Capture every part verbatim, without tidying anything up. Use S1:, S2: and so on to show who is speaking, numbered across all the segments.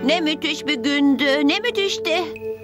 S1: Ne müthiş bir gündü. Ne müthişti.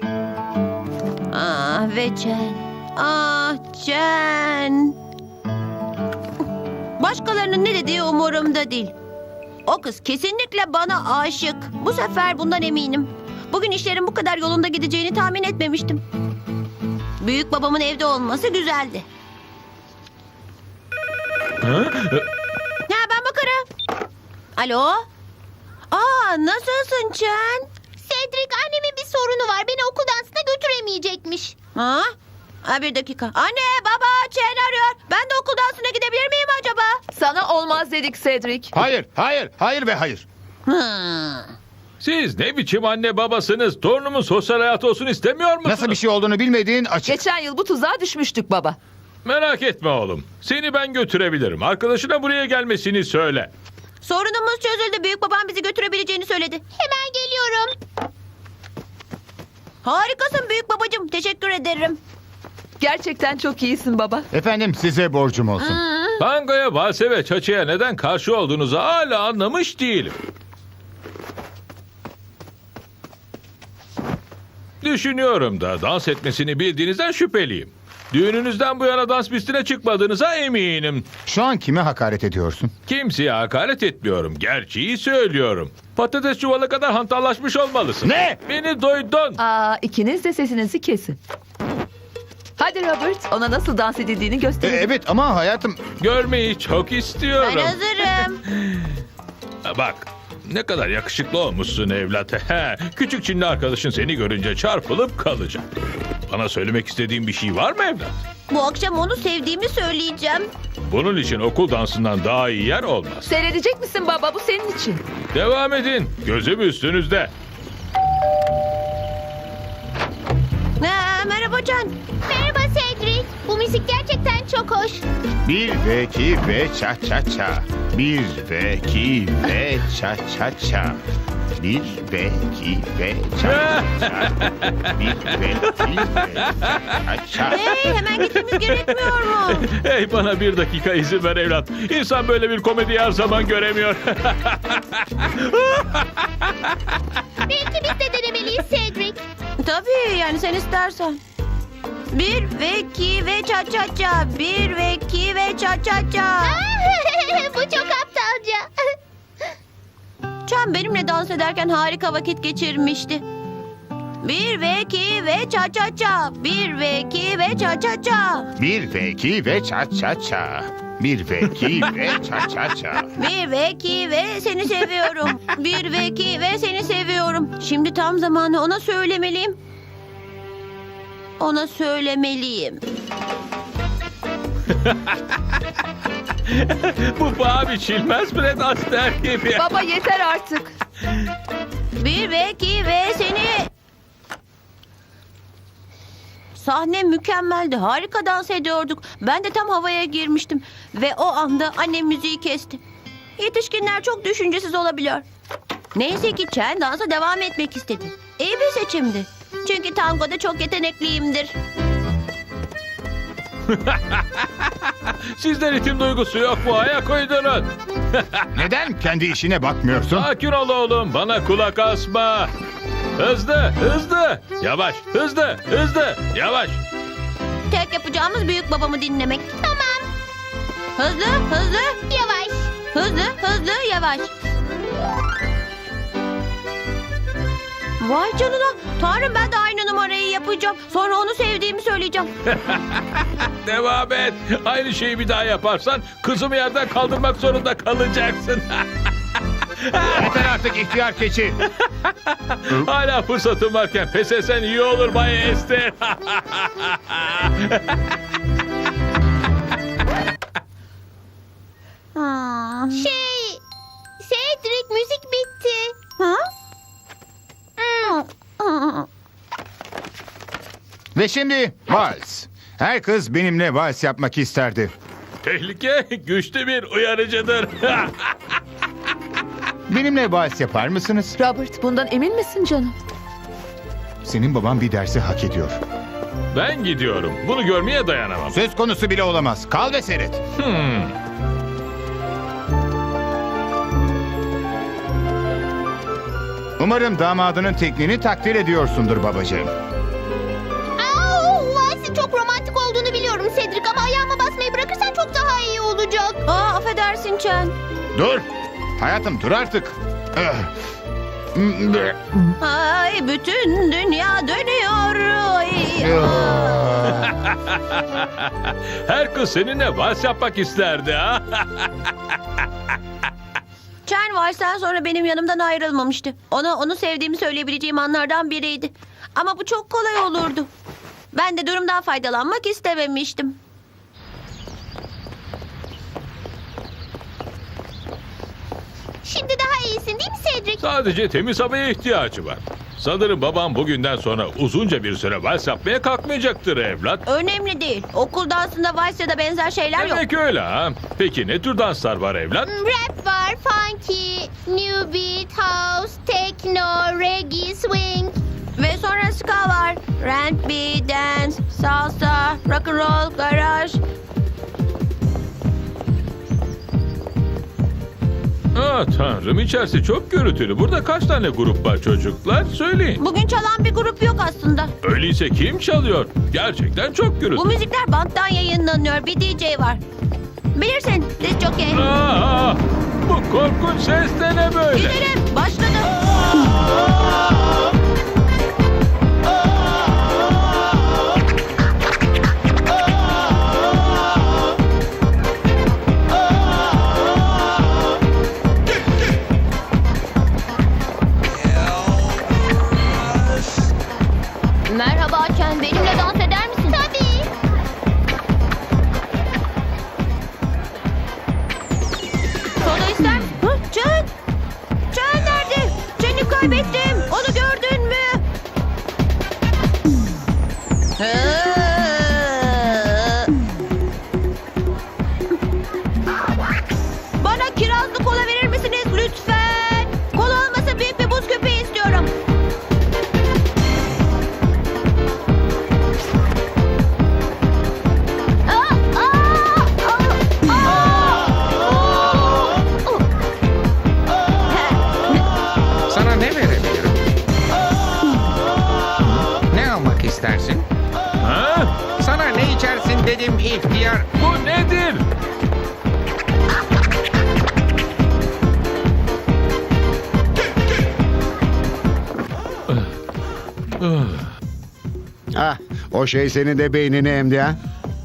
S1: Ah ve Chen. Ah Chen. Başkalarının ne dediği umurumda değil. O kız kesinlikle bana aşık. Bu sefer bundan eminim. Bugün işlerin bu kadar yolunda gideceğini tahmin etmemiştim. Büyük babamın evde olması güzeldi.
S2: Ha?
S1: Ha, ben bakarım. Alo? Aa, nasılsın Chen?
S3: Cedric, annemin bir sorunu var. Beni okul dansına götüremeyecekmiş.
S1: Ha? Ha, bir dakika. Anne, baba, Chen arıyor. Ben de okul dansına gidebilir miyim acaba?
S4: Sana olmaz dedik Cedric.
S5: Hayır, hayır, hayır ve hayır.
S1: Hı.
S2: Siz ne biçim anne babasınız? Torunumun sosyal hayatı olsun istemiyor musunuz?
S5: Nasıl bir şey olduğunu bilmediğin açık.
S4: Geçen yıl bu tuzağa düşmüştük baba.
S2: Merak etme oğlum. Seni ben götürebilirim. Arkadaşına buraya gelmesini söyle.
S1: Sorunumuz çözüldü. Büyük babam bizi götürebileceğini söyledi.
S3: Hemen geliyorum.
S1: Harikasın büyük babacığım. Teşekkür ederim.
S4: Gerçekten çok iyisin baba.
S5: Efendim size borcum olsun.
S2: Tangoya, valse ve çaçaya neden karşı olduğunuzu hala anlamış değilim. Düşünüyorum da dans etmesini bildiğinizden şüpheliyim. Düğününüzden bu yana dans pistine çıkmadığınıza eminim.
S5: Şu an kime hakaret ediyorsun?
S2: Kimseye hakaret etmiyorum. Gerçeği söylüyorum. Patates çuvalı kadar hantallaşmış olmalısın.
S5: Ne?
S2: Beni duydun.
S4: Aa, ikiniz de sesinizi kesin. Hadi Robert, ona nasıl dans edildiğini
S5: E,
S4: gösterelim.
S5: evet ama hayatım...
S2: Görmeyi çok istiyorum.
S1: Ben hazırım.
S2: Bak, ne kadar yakışıklı olmuşsun evlat. He, küçük Çinli arkadaşın seni görünce çarpılıp kalacak. Bana söylemek istediğin bir şey var mı evlat?
S1: Bu akşam onu sevdiğimi söyleyeceğim.
S2: Bunun için okul dansından daha iyi yer olmaz.
S4: Seyredecek misin baba? Bu senin için.
S2: Devam edin. Gözüm üstünüzde.
S1: Ha, merhaba Chen.
S3: Merhaba Cedric. Bu müzik gerçekten çok hoş.
S5: Bir ve iki ve ça ça ça. Bir ve iki ve ça ça ça. Bir ve iki ve ça ça ça. Bir ve iki ve ça ça.
S1: Hey, hemen gitmemiz gerekmiyor mu?
S2: Hey, bana bir dakika izin ver evlat. İnsan böyle bir komedi her zaman göremiyor.
S3: Belki biz de denemeliyiz Cedric.
S1: Tabii, yani sen istersen. Bir ve iki ve ça ça ça. Bir ve iki ve ça ça ça.
S3: Bu çok aptalca.
S1: Chen benimle dans ederken harika vakit geçirmişti. Bir ve iki ve ça ça ça. Bir ve iki ve ça ça ça.
S5: Bir ve iki ve ça ça ça. Bir ve iki ve ça ça ça.
S1: Bir ve iki ve seni seviyorum. Bir ve iki ve seni seviyorum. Şimdi tam zamanı ona söylemeliyim. Ona söylemeliyim.
S2: Bu paha biçilmez Fred Astaire gibi.
S4: Baba yeter artık.
S1: Bir ve iki ve seni... Sahne mükemmeldi. Harika dans ediyorduk. Ben de tam havaya girmiştim. Ve o anda annem müziği kesti. Yetişkinler çok düşüncesiz olabiliyor. Neyse ki Chen dansa devam etmek istedi. İyi bir seçimdi. Çünkü tangoda çok yetenekliyimdir.
S2: Sizde ritim duygusu yok mu? Ayak uydurun.
S5: Neden kendi işine bakmıyorsun?
S2: Sakin ol oğlum. Bana kulak asma. Hızlı, hızlı. Yavaş, hızlı, hızlı. Yavaş.
S1: Tek yapacağımız büyük babamı dinlemek.
S3: Tamam.
S1: Hızlı, hızlı,
S3: Yavaş.
S1: hızlı, hızlı, yavaş. Vay canına. Tanrım, ben de aynı numarayı yapacağım. Sonra onu sevdiğimi söyleyeceğim.
S2: Devam et. Aynı şeyi bir daha yaparsan kızımı yerden kaldırmak zorunda kalacaksın.
S5: Yeter artık ihtiyar keçi.
S2: Hala fırsatım varken pes etsen iyi olur Bay Esther.
S1: Ha.
S3: Şey... Cedric, müzik bitti.
S1: Ha?
S5: Ve şimdi vals. Her kız benimle vals yapmak isterdi.
S2: Tehlike güçlü bir uyarıcıdır.
S5: Benimle vals yapar mısınız?
S4: Robert, bundan emin misin canım?
S5: Senin baban bir dersi hak ediyor.
S2: Ben gidiyorum. Bunu görmeye dayanamam.
S5: Söz konusu bile olamaz. Kal ve seyret.
S2: Hmm.
S5: Umarım damadının tekniğini takdir ediyorsundur babacığım.
S3: Aa, valsin çok romantik olduğunu biliyorum Cedric ama ayağıma basmayı bırakırsan çok daha iyi olacak.
S1: Aa, affedersin Chen.
S5: Dur. Hayatım dur artık. Ah.
S1: Ay, bütün dünya dönüyor. Ay, aa.
S2: Her kız seninle vals yapmak isterdi ha.
S1: Chen valsten sonra benim yanımdan ayrılmamıştı. Ona onu sevdiğimi söyleyebileceğim anlardan biriydi. Ama bu çok kolay olurdu. Ben de durumdan faydalanmak istememiştim.
S3: Şimdi daha iyisin değil mi Cedric?
S2: Sadece temiz havaya ihtiyacı var. Sanırım babam bugünden sonra uzunca bir süre vals yapmaya kalkmayacaktır evlat.
S1: Önemli değil. Okul dansında vals ya da benzer şeyler yok.
S2: Demek öyle ha. Peki ne tür danslar var evlat?
S3: Hmm, Rap var, funky, new beat, house, techno, reggae, swing.
S1: Ve sonra ska var. R and B, dance, salsa, rock and roll, garaj.
S2: Ah tanrım, içerisi çok gürültülü. Burada kaç tane grup var çocuklar? Söyleyin.
S1: Bugün çalan bir grup yok aslında.
S2: Öyleyse kim çalıyor? Gerçekten çok
S1: Bu
S2: gürültülü.
S1: müzikler banttan yayınlanıyor. Bir D J var. Bilirsin, diz jockey.
S2: Aa, bu korkunç ses de ne böyle?
S1: Gidelim, başladı.
S3: Merhaba Chen, benimle dans eder misin? Tabii.
S1: Soda ister misin? Hı, Can! Can nerede? Can'ı kaybettim. Onu gördün mü? Hı. Bana kirazlı kola verir misiniz lütfen? Kola olmasa büyük bir buz köpeği istiyorum.
S3: Aa, aa, aa, aa.
S6: Sana ne verebilirim? Ne almak istersin?
S2: Ha?
S6: Sana ne içersin dedim ihtiyar.
S2: Bu nedir?
S5: Ah, o şey senin de beynini emdi ha.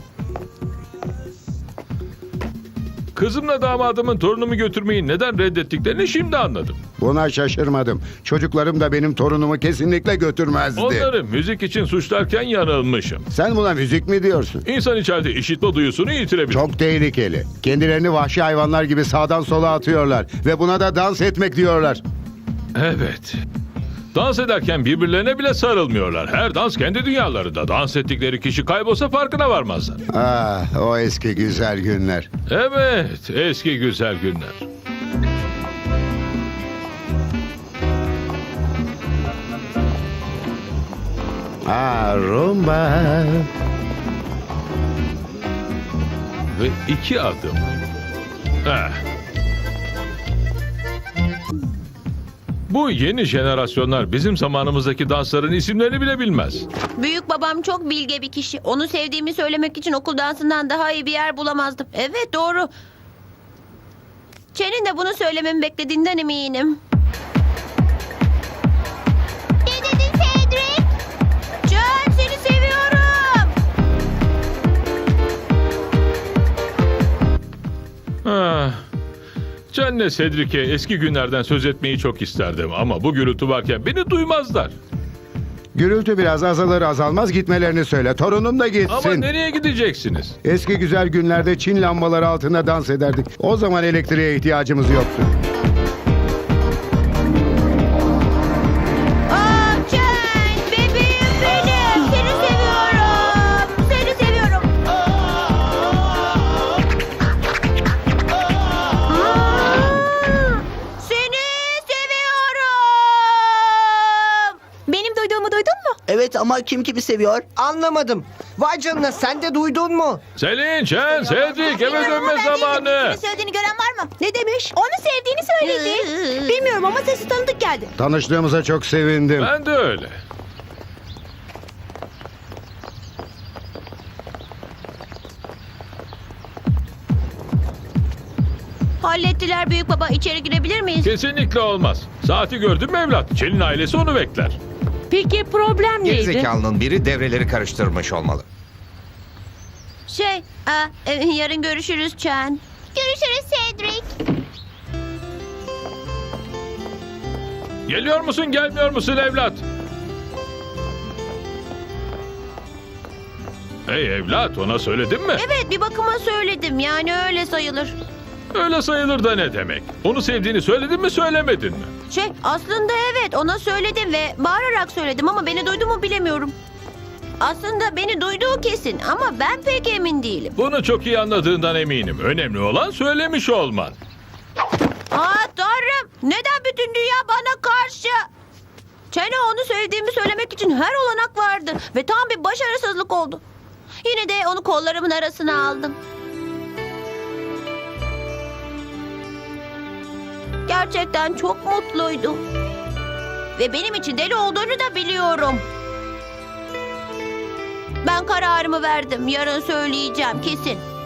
S2: Kızımla damadımın torunumu götürmeyi neden reddettiklerini şimdi anladım.
S5: Buna şaşırmadım. Çocuklarım da benim torunumu kesinlikle götürmezdi.
S2: Onları müzik için suçlarken yanılmışım.
S5: Sen buna müzik mi diyorsun?
S2: İnsan içeride işitme duyusunu yitirebilir.
S5: Çok tehlikeli. Kendilerini vahşi hayvanlar gibi sağdan sola atıyorlar. Ve buna da dans etmek diyorlar.
S2: Evet. Dans ederken birbirlerine bile sarılmıyorlar. Her dans kendi dünyalarında. Dans ettikleri kişi kaybolsa farkına varmazlar.
S5: Ah, o eski güzel günler.
S2: Evet, eski güzel günler.
S5: Ah, rumba.
S2: Ve iki adım. Eh. Bu yeni jenerasyonlar bizim zamanımızdaki dansların isimlerini bile bilmez.
S1: Büyük babam çok bilge bir kişi. Onu sevdiğimi söylemek için okul dansından daha iyi bir yer bulamazdım. Evet, doğru. Chen'in de bunu söylememi beklediğinden eminim.
S3: Ne dedin Cedric?
S1: Chen, seni seviyorum.
S2: Ah. Can'le Cedric'e eski günlerden söz etmeyi çok isterdim ama bu gürültü varken beni duymazlar.
S5: Gürültü biraz azalır azalmaz gitmelerini söyle. Torunum da gitsin.
S2: Ama nereye gideceksiniz?
S5: Eski güzel günlerde Çin lambaları altında dans ederdik. O zaman elektriğe ihtiyacımız yoktu.
S1: Aa, Chen, bebeğim benim. Seni seviyorum. Seni seviyorum. Hmm, seni seviyorum.
S7: Benim duyduğumu duydun mu?
S8: Evet ama kim kimi seviyor?
S7: Anlamadım. Vay canına, sen de duydun mu?
S2: Selin, Chen, Cedric eve dönme zamanı.
S3: Söylediğini gören var mı? Ne demiş? Onu sevdiğini söyledi. Bilmiyorum ama sesi tanıdık geldi.
S8: Tanıştığımıza çok sevindim.
S2: Ben de öyle.
S1: Hallettiler büyük baba. İçeri girebilir miyiz?
S2: Kesinlikle olmaz. Saati gördün mü evlat? Çelin ailesi onu bekler.
S4: Peki problem neydi?
S6: Gerizekalının biri devreleri karıştırmış olmalı.
S1: Şey, aa, e, yarın görüşürüz Chen.
S3: Görüşürüz Cedric.
S2: Geliyor musun, gelmiyor musun evlat? Hey evlat, ona söyledin mi?
S1: Evet, bir bakıma söyledim. Yani öyle sayılır.
S2: Öyle sayılır da ne demek? Onu sevdiğini söyledin mi, söylemedin mi?
S1: Şey, aslında evet, ona söyledim ve bağırarak söyledim ama beni duydu mu bilemiyorum. Aslında beni duyduğu kesin ama ben pek emin değilim.
S2: Bunu çok iyi anladığından eminim. Önemli olan söylemiş olman.
S1: Aa Tanrım, neden bütün dünya bana karşı? Çene onu sevdiğimi söylemek için her olanak vardı ve tam bir başarısızlık oldu. Yine de onu kollarımın arasına aldım. Gerçekten çok mutluydu. Ve benim için deli olduğunu da biliyorum. Ben kararımı verdim. Yarın söyleyeceğim kesin.